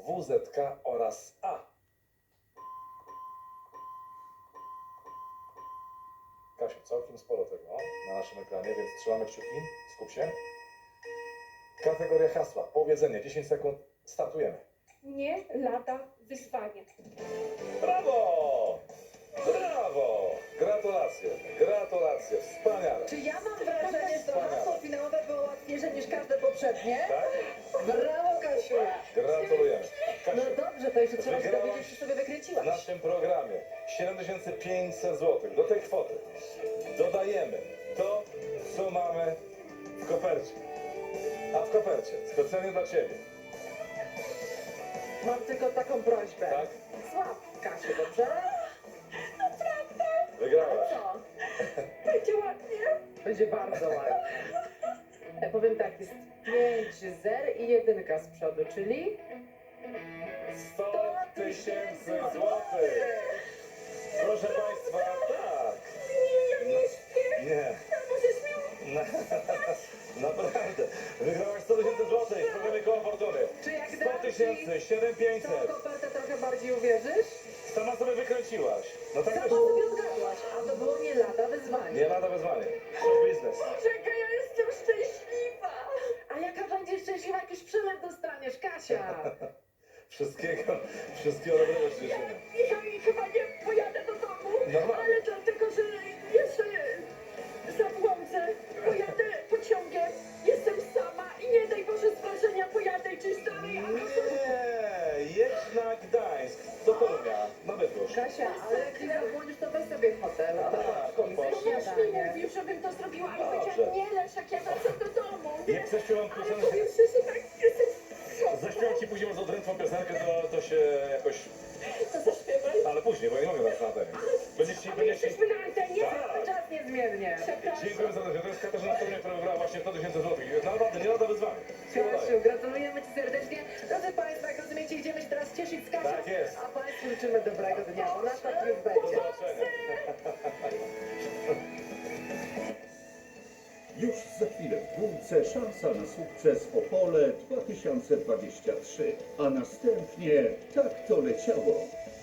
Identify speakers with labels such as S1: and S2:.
S1: WZK oraz A. Kasiu, całkiem sporo tego na naszym ekranie, więc trzymamy kciuki. Skup się. Kategoria hasła. Powiedzenie. 10 sekund. Startujemy.
S2: Nie lada wyzwanie.
S1: Brawo! Brawo! Gratulacje. Gratulacje. Wspaniale.
S3: Czy ja mam wrażenie, że to hasło finałowe było łatwiejsze niż każde poprzednie?
S1: Tak?
S3: Brawo, Kasiu!
S1: Gratulujemy.
S3: No
S1: Kasiu,
S3: dobrze, to jeszcze trzeba się
S1: wygrałaś
S3: dowiedzieć, czy sobie
S1: w
S3: wykręciłaś.
S1: naszym programie 7500 zł. Do tej kwoty dodajemy to, co mamy w kopercie. A w kopercie, specjalnie dla Ciebie,
S3: Mam tylko taką prośbę.
S1: tak?
S3: Słab, Kasiu, dobrze?
S1: Wygrałaś.
S3: Co?
S2: Będzie ładnie.
S3: Będzie bardzo ładnie. Ja powiem tak, jest 5 zer i 1 z przodu, czyli
S1: 100 tysięcy złotych. Proszę Państwa, tak. Nie. Naprawdę. Wygrałaś 100 tysięcy złotych w programie Koło Fortuny.
S3: czy jak
S1: 100
S3: dam ci
S1: tysięcy, 7500.
S3: tą kopertę trochę bardziej uwierzysz?
S1: Sama sobie wykręciłaś. No tak
S3: Sama
S1: wyszło.
S3: sobie odgadłaś, a to było nie lada wyzwanie.
S1: Nie lada wyzwanie. Show biznes.
S2: Czekaj, ja jestem szczęśliwa.
S3: A jaka będziesz szczęśliwa, jak już przelew dostaniesz, Kasia?
S1: Wszystkiego dobrego ci życzymy.
S2: Ja chyba nie pojadę do domu,
S1: Normalnie.
S2: ale dlatego, że jeszcze zabłądzę. Pojadę pociągiem, jestem sama i nie daj Boże z wrażenia pojadę gdzieś dalej.
S1: Nie, jedź na Gdańsk, do Torunia, na Bydgoszcz.
S3: Kasia, ale jak nie zabłądzisz, to weź sobie hotel.
S1: Tak,
S3: Komisja
S1: popatrz.
S2: Mąż mi
S3: śniadanie.
S2: mówił, żebym to zrobiła, ale
S1: Dobrze.
S2: powiedziałam, nie Leszek, jak ja wracam do domu.
S1: Nie prześpiewam
S2: Ale
S1: piosenkę.
S2: powiem szczerze, tak jestem
S1: Zaśpiewam ci później może odrętną piosenkę, to się jakoś...
S2: to zaśpiewaj.
S1: Ale później, bo ja nie mogę dać na antenie. Będziesz ci...
S2: Ale jesteśmy na antenie?
S1: Tak.
S3: Czas niezmiernie.
S2: Przepraszam.
S1: Dziękuję serdecznie. To jest Katarzyna Torunia, która wybrała właśnie 100 tysięcy złotych. Naprawdę, nie lada wyzwanie.
S3: Kasiu, gratulujemy Ci serdecznie. Drodzy Państwo, jak rozumiecie, idziemy się teraz cieszyć z Kasią.
S1: Tak jest.
S3: A Państwu życzymy dobrego dnia, bo nasz tak już
S1: Do
S3: będzie.
S1: zobaczenia.
S4: Już za chwilę w dwójce szansa na sukces Opole 2023, a następnie tak to leciało.